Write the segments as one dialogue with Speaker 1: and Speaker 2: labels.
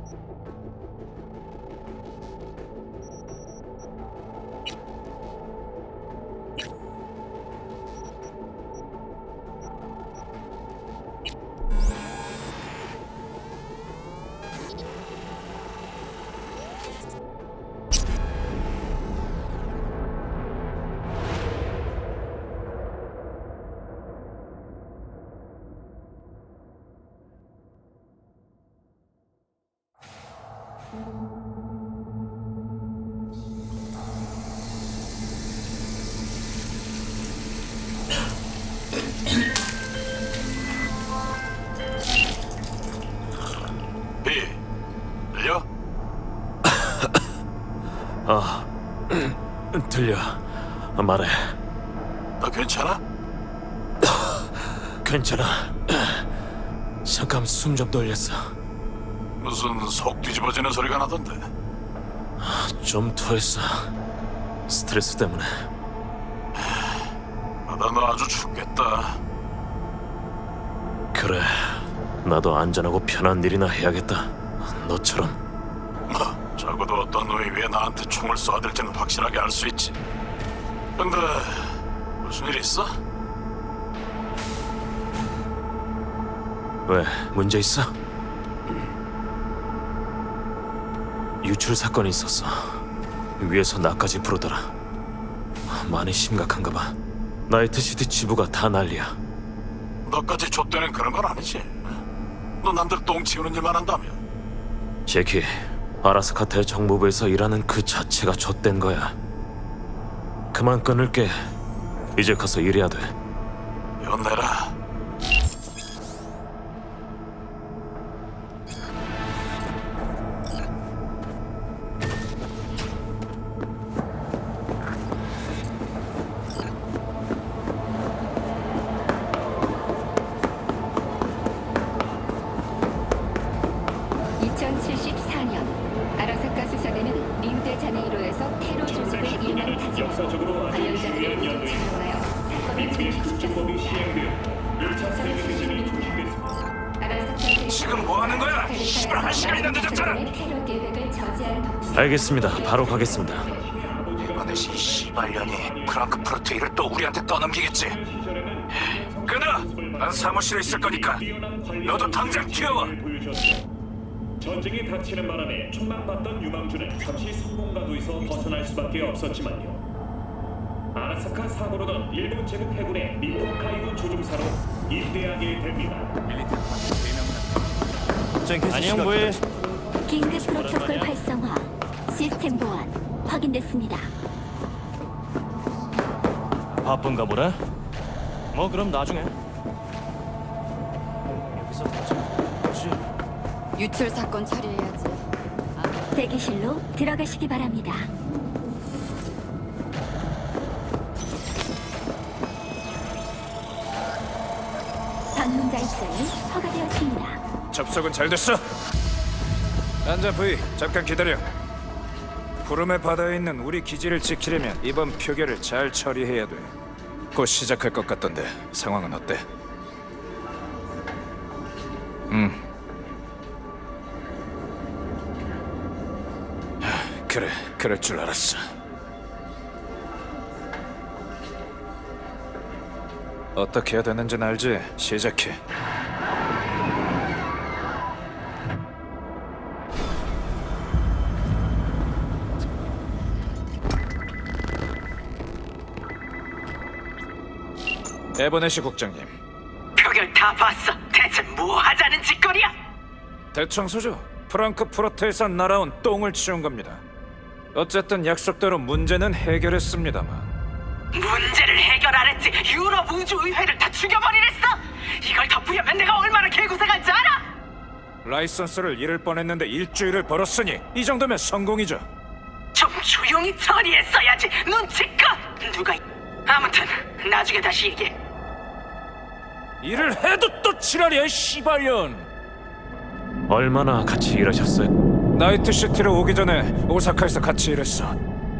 Speaker 1: 들려?
Speaker 2: 들려. 말해.
Speaker 1: 너 괜찮아?
Speaker 2: 괜찮아. 잠깐 숨 좀 돌렸어.
Speaker 1: 무슨 속 뒤집어지는 소리가 나던데.
Speaker 2: 좀 토했어. 스트레스 때문에.
Speaker 1: 나 너 아주 죽겠다.
Speaker 2: 그래. 나도 안전하고 편한 일이나 해야겠다. 너처럼.
Speaker 1: 적어도 어떤 놈이 왜 나한테 총을 쏘아댈지는 확실하게 알 수 있지. 근데 무슨 일 있어?
Speaker 2: 왜? 문제 있어? 유출 사건이 있었어. 위에서 나까지 부르더라. 많이 심각한가 봐. 나이트시티 지부가 다 난리야.
Speaker 1: 너까지 좆되는 그런 건 아니지? 너 남들 똥 치우는 일만 한다며?
Speaker 2: 제키, 아라스카테 정보부에서 일하는 그 자체가 좆된 거야. 그만 끊을게. 이제 가서 일해야 돼.
Speaker 1: 이건 내라.
Speaker 3: 아라사카 수사대는 리우데자네이로에서 테러 조직을 일망타지하고 관련자들을 모두 잡아가여 사건을 종식시켰습니다.
Speaker 1: 지금 뭐 하는 거야? 씨발, 한 시간이나 늦었잖아.
Speaker 3: 테러 계획을 저지한 독소.
Speaker 2: 알겠습니다. 바로 가겠습니다.
Speaker 1: 이번에 이 씨발년이 프랑크푸르트 일을 또 우리한테 떠넘기겠지. 끊어! 난 사무실에 있을 거니까 너도 당장 튀어와.
Speaker 4: 전쟁이 닥치는 바람에 촉망받던 유망주는 잠시 성공가도에서 벗어날 수밖에 없었지만요. 아라사카 사고로던 일본 제국 해군의 미토카이도 조종사로 임대하게 됩니다.
Speaker 2: 안녕 부이.
Speaker 3: 긴급 프로토콜 활성화, 시스템 보안 확인됐습니다.
Speaker 2: 바쁜가 보네. 뭐 그럼 나중에. 여기서 뭐지?
Speaker 5: 유출 사건 처리해야지.
Speaker 3: 대기실로 들어가시기 바랍니다. 방문자 입장이 허가되었습니다.
Speaker 1: 접속은 잘 됐어. 앉아 부이. 잠깐 기다려. 구름의 바다에 있는 우리 기지를 지키려면 이번 표결을 잘 처리해야 돼. 곧 시작할 것 같던데 상황은 어때? 그래, 그럴 줄 알았어. 어떻게 해야 되는지는 알지? 시작해. 에버네시 국장님,
Speaker 6: 표결 다 봤어. 대체 뭐 하자는 짓거리야?
Speaker 1: 대청소죠. 프랑크푸르트에서 날아온 똥을 치운 겁니다. 어쨌든 약속대로 문제는 해결했습니다만.
Speaker 6: 문제를 해결 안 했지. 유럽 우주의회를 다 죽여버리랬어. 이걸 덮으려면 내가 얼마나 개고생한지 알아?
Speaker 1: 라이선스를 잃을 뻔했는데 일주일을 벌었으니 이 정도면 성공이죠.
Speaker 6: 좀 조용히 처리했어야지. 눈치껏. 누가 아무튼 나중에 다시 얘기해.
Speaker 1: 일을 해도 또 지랄이야, 씨발년.
Speaker 2: 얼마나 같이 일하셨어요?
Speaker 1: 나이트시티로 오기 전에 오사카에서 같이 일했어.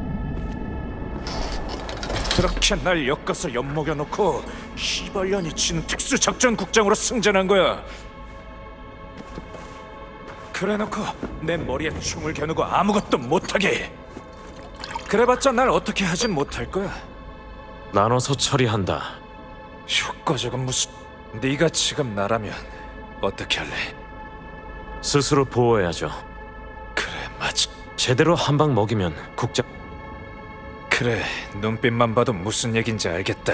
Speaker 1: 그렇게 날 엮어서 엿먹여놓고 씨발년이 치는 특수작전국장으로 승진한 거야. 그래놓고 내 머리에 총을 겨누고 아무것도 못하게 해. 그래봤자 날 어떻게 하진 못할 거야.
Speaker 2: 나눠서 처리한다.
Speaker 1: 효과적은 무슨... 네가 지금 나라면 어떻게 할래?
Speaker 2: 스스로 보호해야죠.
Speaker 1: 그래, 맞아.
Speaker 2: 제대로 한 방 먹이면 국장...
Speaker 1: 그래, 눈빛만 봐도 무슨 얘긴지 알겠다.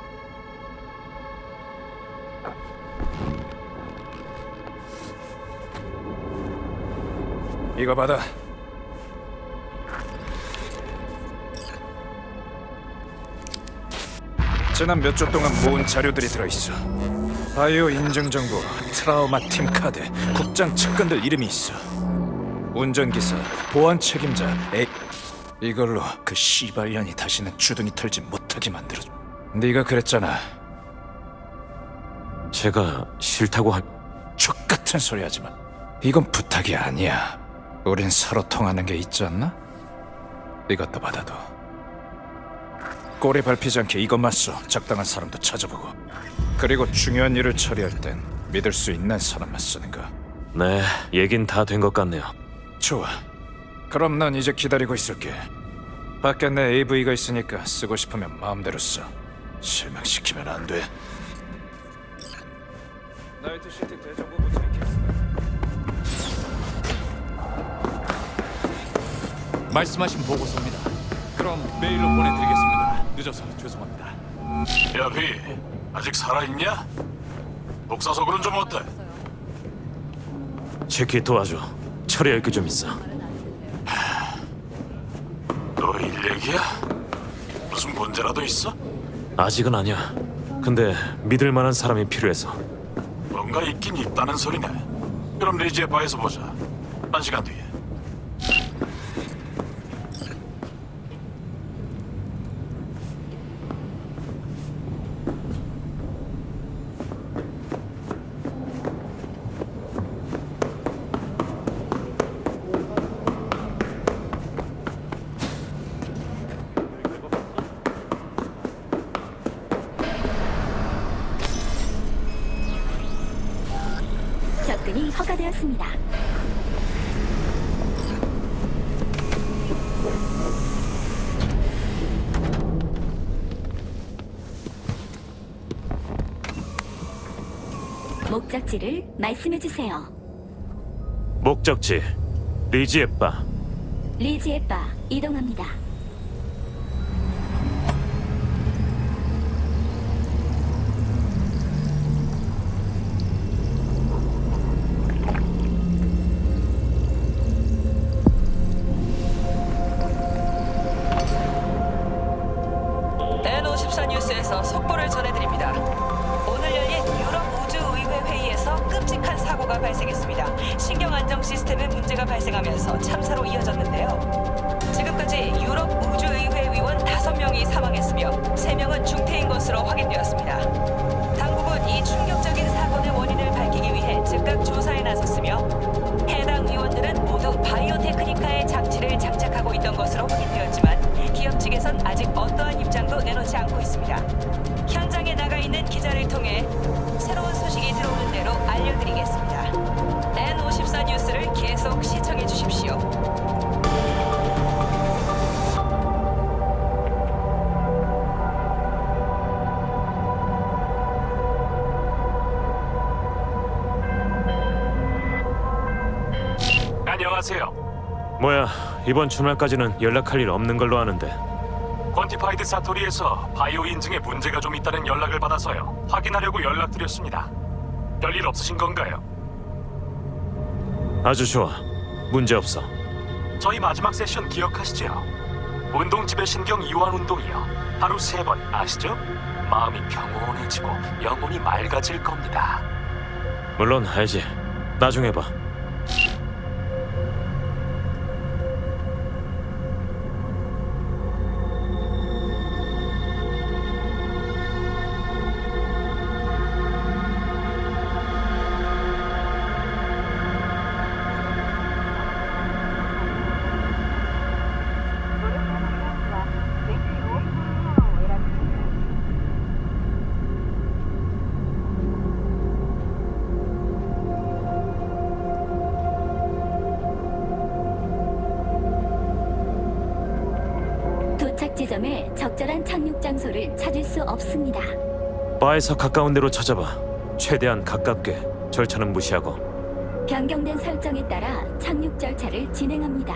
Speaker 1: 이거 받아. 지난 몇 주 동안 모은 자료들이 들어있어. 바이오 인증 정보, 트라우마 팀 카드, 국장 측근들 이름이 있어. 운전기사, 보안 책임자, 이걸로 그 씨발년이 다시는 주둥이 털지 못하게 만들어줘. 네가 그랬잖아.
Speaker 2: 제가 싫다고 할...
Speaker 1: 족같은 소리 하지 마. 이건 부탁이 아니야. 우린 서로 통하는 게 있지 않나? 이것도 받아도. 꼬리 밟히지 않게 이것만 써. 적당한 사람도 찾아보고. 그리고 중요한 일을 처리할 땐 믿을 수 있는 사람만 쓰는 거.
Speaker 2: 네, 얘긴 다 된 것 같네요.
Speaker 1: 좋아. 그럼 난 이제 기다리고 있을게. 밖에 내 AV가 있으니까 쓰고 싶으면 마음대로 써. 실망시키면 안 돼. 나이트시티 대정부 부처의 캐스다.
Speaker 7: 말씀하신 보고서입니다. 그럼 메일로 보내드리겠습니다. 늦어서 죄송합니다.
Speaker 8: 야, 비, 아직 살아있냐? 복사석으로는 좀 어때?
Speaker 2: 제키 도와줘. 처리할 게 좀 있어.
Speaker 8: 너 일 얘기야? 무슨 문제라도 있어?
Speaker 2: 아직은 아니야. 근데 믿을 만한 사람이 필요해서.
Speaker 8: 뭔가 있긴 있다는 소리네. 그럼 리지의 바에서 보자. 1시간 뒤에.
Speaker 3: 접근이 허가되었습니다. 목적지를 말씀해 주세요.
Speaker 2: 목적지 리지의 바.
Speaker 3: 리지의 바 이동합니다.
Speaker 9: N54 뉴스에서 속보를 전해드립니다. 오늘 열린 유럽 우주의회 회의에서 끔찍한 사고가 발생했습니다. 신경 안정 시스템에 문제가 발생하면서 참사로 이어졌는데요. 지금까지 유럽 우주의회 위원 5명이 사망했으며 3명은 중태인 것으로 확인되었습니다. 당국은 이 충격적인 사건의 원인을 밝히기 위해 즉각 조사에 나섰으며 해당 위원들은 모두 바이오 테크니카의 장치를 장착하고 있던 것으로 확인되었지만 기업 측에선 아직 어떠한 입장도 내놓지 않고 있습니다. 현장에 나가 있는 기자를 통해 새로운 소식이 들어오는 대로 알려드리겠습니다. N54 뉴스를 계속 시청해 주십시오.
Speaker 8: 안녕하세요.
Speaker 2: 뭐야, 이번 주말까지는 연락할 일 없는 걸로 아는데.
Speaker 8: 퀀티파이드 사토리에서 바이오 인증에 문제가 좀 있다는 연락을 받아서요. 확인하려고 연락드렸습니다. 별일 없으신 건가요?
Speaker 2: 아주 좋아. 문제 없어.
Speaker 8: 저희 마지막 세션 기억하시죠? 운동 지배 신경 이완 운동이요. 하루 3번 아시죠? 마음이 평온해지고 영혼이 맑아질 겁니다.
Speaker 2: 물론 알지. 나중에 봐.
Speaker 3: 지점에 적절한 착륙 장소를 찾을 수 없습니다.
Speaker 2: 바에서 가까운 데로 찾아봐. 최대한 가깝게. 절차는 무시하고.
Speaker 3: 변경된 설정에 따라 착륙 절차를 진행합니다.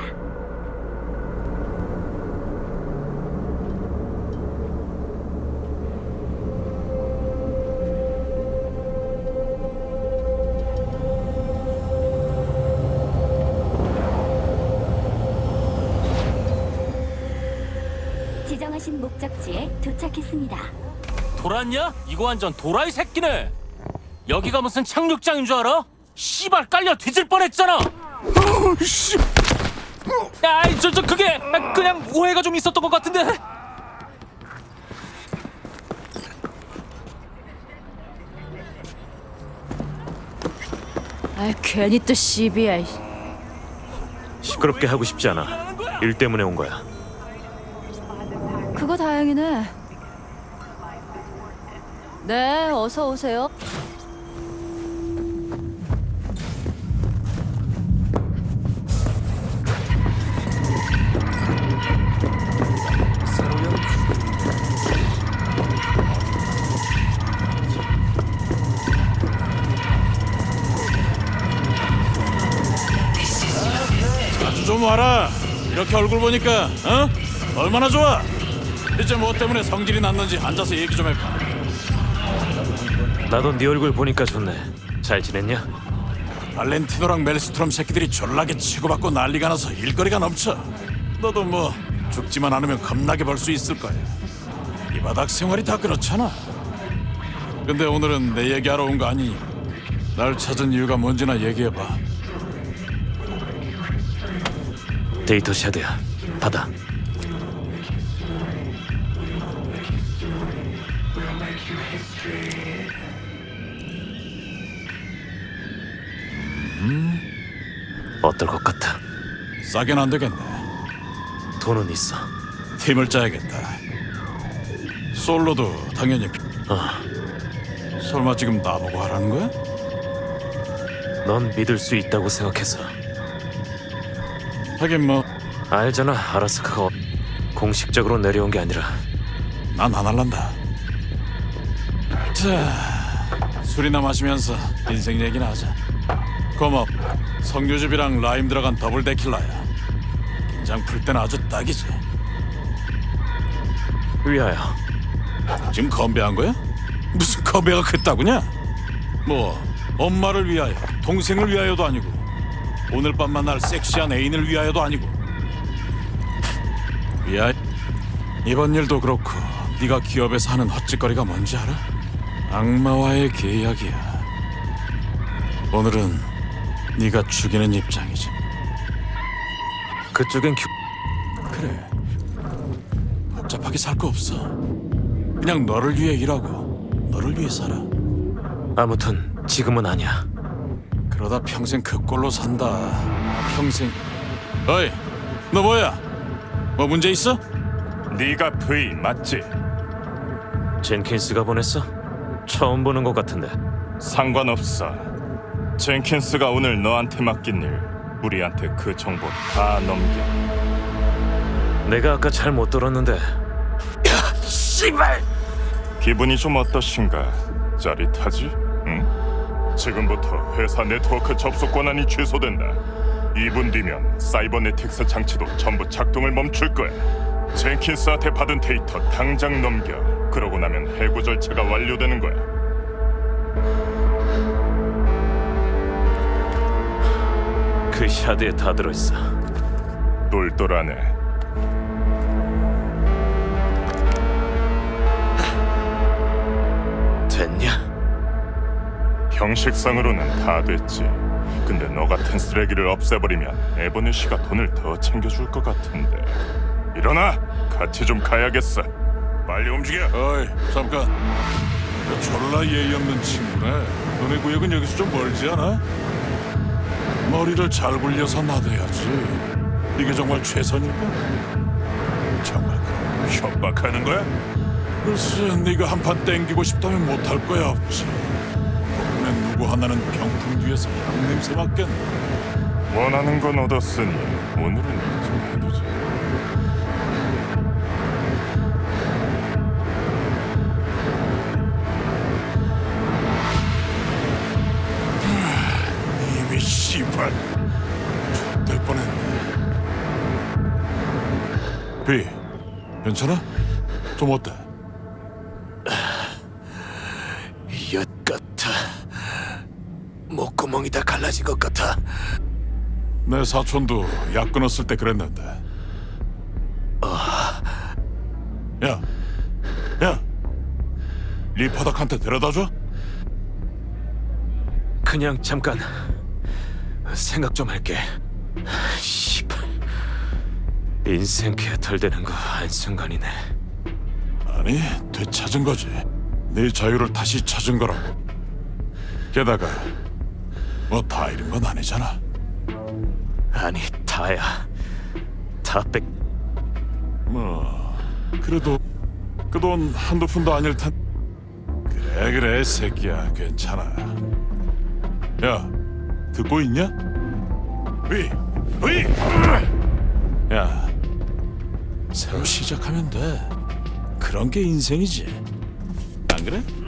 Speaker 3: 지정하신 목적지에 도착했습니다.
Speaker 8: 돌았냐? 이거 완전 도라이 새끼네. 여기가 무슨 착륙장인 줄 알아? 씨발 깔려 뒤질 뻔했잖아. 아이 저 그게 그냥 오해가 좀 있었던 것 같은데.
Speaker 5: 아 괜히 또 시비야.
Speaker 2: 시끄럽게 하고 싶지 않아. 일 때문에 온 거야.
Speaker 5: 그거 다행이네. 네, 어서 오세요.
Speaker 10: 좀 와라. 이렇게 얼굴 보니까 얼마나 좋아. 이제 뭐 때문에 성질이 났는지 앉아서 얘기 좀 해봐.
Speaker 2: 나도 네 얼굴 보니까 좋네. 잘 지냈냐?
Speaker 10: 발렌티노랑 멜스트롬 새끼들이 졸라게 치고받고 난리가 나서 일거리가 넘쳐. 너도 뭐 죽지만 않으면 겁나게 벌 수 있을 거야. 이 바닥 생활이 다 그렇잖아. 근데 오늘은 내 얘기하러 온 거 아니니 날 찾은 이유가 뭔지나 얘기해봐.
Speaker 2: 데이터 샤드야. 받아. 어떨 것 같아?
Speaker 10: 싸게는 안 되겠네.
Speaker 2: 돈은 있어.
Speaker 10: 팀을 짜야겠다. 솔로도 당연히. 설마 지금 나보고 하라는 거야?
Speaker 2: 넌 믿을 수 있다고 생각해서.
Speaker 10: 하긴 뭐
Speaker 2: 알잖아. 아라스카가 공식적으로 내려온 게 아니라.
Speaker 10: 난 안 할란다. 자, 술이나 마시면서 인생 얘기나 하자. 고맙. 석류즙이랑 라임 들어간 더블 데킬라야. 긴장 풀 때는 아주 딱이지.
Speaker 2: 위하여.
Speaker 10: 지금 건배한 거야? 무슨 건배가 그따구냐? 뭐 엄마를 위하여, 동생을 위하여도 아니고 오늘 밤 만날 섹시한 애인을 위하여도 아니고. 위하여. 이번 일도 그렇고 네가 기업에서 하는 헛짓거리가 뭔지 알아? 악마와의 계약이야. 오늘은 네가 죽이는 입장이지.
Speaker 2: 그쪽엔
Speaker 10: 그래. 복잡하게 살 거 없어. 그냥 너를 위해 일하고 너를 위해 살아.
Speaker 2: 아무튼 지금은 아니야.
Speaker 10: 그러다 평생 그 꼴로 산다. 평생. 어이, 너 뭐야? 뭐 문제 있어?
Speaker 11: 네가 V 맞지?
Speaker 2: 젠킨스가 보냈어? 처음 보는 것 같은데.
Speaker 11: 상관없어. 젠킨스가 오늘 너한테 맡긴 일, 우리한테 그 정보 다 넘겨.
Speaker 2: 내가 아까 잘 못 들었는데. 야, 씨발!
Speaker 11: 기분이 좀 어떠신가? 짜릿하지? 응? 지금부터 회사 네트워크 접속 권한이 취소된다. 2분 뒤면 사이버네틱스 장치도 전부 작동을 멈출 거야. 젠킨스한테 받은 데이터 당장 넘겨. 그러고 나면 해고 절차가 완료되는 거야.
Speaker 2: 그 샤드에 다 들어있어.
Speaker 11: 똘똘하네.
Speaker 2: 됐냐?
Speaker 11: 형식상으로는 다 됐지. 근데 너 같은 쓰레기를 없애버리면 에버뉴시가 돈을 더 챙겨줄 것 같은데. 일어나! 같이 좀 가야겠어. 빨리 움직여.
Speaker 10: 어이, 잠깐. 너 졸라 예의 없는 친구네. 너네 구역은 여기서 좀 멀지 않아? 머리를 잘 굴려서 놔둬야지. 이게 정말 최선일까? 정말
Speaker 11: 협박하는 거야?
Speaker 10: 글쎄, 네가 한판 땡기고 싶다면 못할 거야 없지. 덕분에 누구 하나는 병풍 뒤에서 향 냄새 맡겠네.
Speaker 11: 원하는 건 얻었으니 오늘은 좀 해두자.
Speaker 10: 씨발. 될 뻔했네. 비, 괜찮아? 좀 어때?
Speaker 2: 엿 같아. 목구멍이 다 갈라진 것 같아.
Speaker 10: 내 사촌도 약 끊었을 때 그랬는데. 야, 리퍼덕한테 데려다줘?
Speaker 2: 그냥 잠깐 생각 좀 할게. 씨발. 인생 개털되는 거 한순간이네.
Speaker 10: 아니, 되찾은 거지. 네 자유를 다시 찾은 거라고. 게다가 뭐 다 잃은 건 아니잖아.
Speaker 2: 아니 다야. 다 뺏.
Speaker 10: 뭐 그래도 그 돈 한두 푼도 아닐 텐. 그래 새끼야, 괜찮아. 야, 듣고 있냐? 위. 야, 새로 시작하면 돼. 그런 게 인생이지. 안 그래?